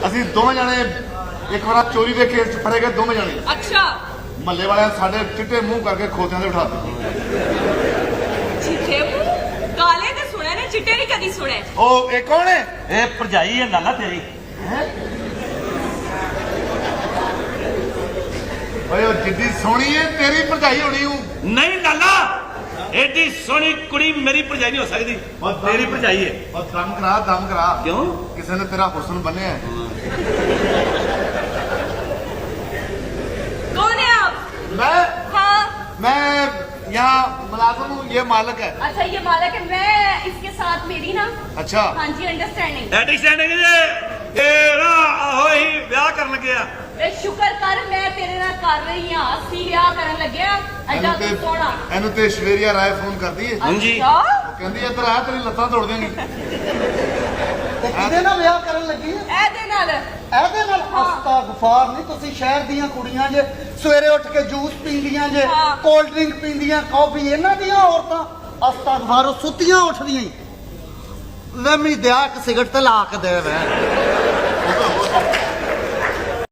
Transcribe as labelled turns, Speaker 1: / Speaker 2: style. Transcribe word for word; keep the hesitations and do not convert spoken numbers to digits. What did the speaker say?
Speaker 1: ਅਸੀਂ ਦੋਵੇਂ ਜਾਣੇ ਇੱਕ ਵਾਰ ਚੋਰੀ ਦੇ ਕੇਸ ਚ ਫੜੇ ਗਏ ਦੋਵੇਂ ਜਾਣੇ।
Speaker 2: ਅੱਛਾ।
Speaker 1: ਮਹੱਲੇ ਵਾਲਿਆਂ ਸਾਡੇ ਚਿੱਟੇ ਮੂੰਹ ਕਰਕੇ ਖੋਤਿਆਂ ਦੇ ਬਿਠਾ ਦਿੱਤੇ।
Speaker 2: ਚਿੱਟੇ ਮੂੰਹ ਕਾਲੇ ਤੇ ਸੁਣਿਆ ਨੇ, ਚਿੱਟੇ ਨਹੀਂ ਕਦੀ ਸੁਣੇ।
Speaker 1: ਉਹ ਇਹ ਕੌਣ ਹੈ?
Speaker 3: ਇਹ ਭਰਜਾਈ ਹੈ ਲਾਲਾ ਤੇਰੀ।
Speaker 1: ਓਏ ਉਹ ਜਿੱਡੀ ਸੋਹਣੀ ਹੈ ਤੇਰੀ ਭਰਜਾਈ ਹੋਣੀ ਹੂੰ।
Speaker 3: ਨਹੀਂ ਲਾਲਾ, ਐਡੀ ਸੋਹਣੀ ਕੁੜੀ ਮੇਰੀ ਭਰਜਾਈ ਨਹੀਂ ਹੋ ਸਕਦੀ, ਤੇਰੀ ਭਰਜਾਈ ਹੈ।
Speaker 1: ਉਹ ਦਮ ਕਰਾ ਦਮ ਕਰਾ।
Speaker 3: ਕਿਉਂ?
Speaker 1: ਕਿਸੇ ਨੇ ਤੇਰਾ ਹੁਸਨ ਬੰਨਿਆ ਹੈ।
Speaker 2: कौन है आप?
Speaker 1: मैं
Speaker 2: हाँ।
Speaker 1: मैं यहाँ मुलाजिम हूँ, ये मालिक है।
Speaker 2: अच्छा ये मालिक है, मैं इसके साथ मेरी ना।
Speaker 1: अच्छा
Speaker 2: हाँ जी अंडरस्टैंडिंग।
Speaker 3: ਐਡਿਸਟੈਂਡਿੰਗ ਜੇ ਇਹ ਨਾ ਆਹੋ ਹੀ ਵਿਆਹ ਕਰਨ ਲੱਗਿਆ।
Speaker 2: ਵੇ ਸ਼ੁਕਰ ਕਰ ਮੈਂ ਤੇਰੇ ਨਾਲ ਕਰ ਰਹੀ ਹਾਂ, ਅਸੀਂ ਵਿਆਹ ਕਰਨ ਲੱਗਿਆ। ਐਡਾ
Speaker 1: ਇਹਨੂੰ
Speaker 2: ਤੂੰ ਸੋਹਣਾ।
Speaker 1: ਇਹਨੂੰ ਤੇ ਸ਼ਵੇਰੀਆ ਰਾਏ ਫੋਨ ਕਰਦੀ ਹੈ।
Speaker 3: ਹਾਂਜੀ।
Speaker 2: ਅੱਛਾ।
Speaker 1: ਉਹ ਕਹਿੰਦੀ ਇੱਧਰ ਆ ਤੇਰੀ ਲੱਤਾਂ ਤੋੜ ਦੇਂਗੀ।
Speaker 4: ਤੇ ਕਿਹਦੇ ਨਾਲ ਵਿਆਹ ਕਰਨ ਲੱਗੀ ਹੈ?
Speaker 2: ਇਹਦੇ ਨਾਲ।
Speaker 4: ਇਹਦੇ ਨਾਲ? ਅਸਤਾਗਫਾਰ ਨਹੀਂ, ਤੁਸੀਂ ਸ਼ਹਿਰ ਦੀਆਂ ਕੁੜੀਆਂ ਜੇ ਸਵੇਰੇ ਉੱਠ ਕੇ ਜੂਸ ਪੀਂਦੀਆਂ ਜੇ,
Speaker 2: ਹਾਂ।
Speaker 4: ਕੋਲਡ ਡਰਿੰਕ ਪੀਂਦੀਆਂ, ਕਾਫੀ। ਇਹਨਾਂ ਦੀਆਂ ਔਰਤਾਂ ਅਸਤਾਗਫਾਰ ਸੁੱਤੀਆਂ ਉੱਠਦੀਆਂ ਹੀ। ਲੈ ਮੈਨੂੰ ਦਿਆ ਇੱਕ ਸਿਗਰਟ ਤੇ ਲਾ ਕੇ ਦੇ ਵੇ।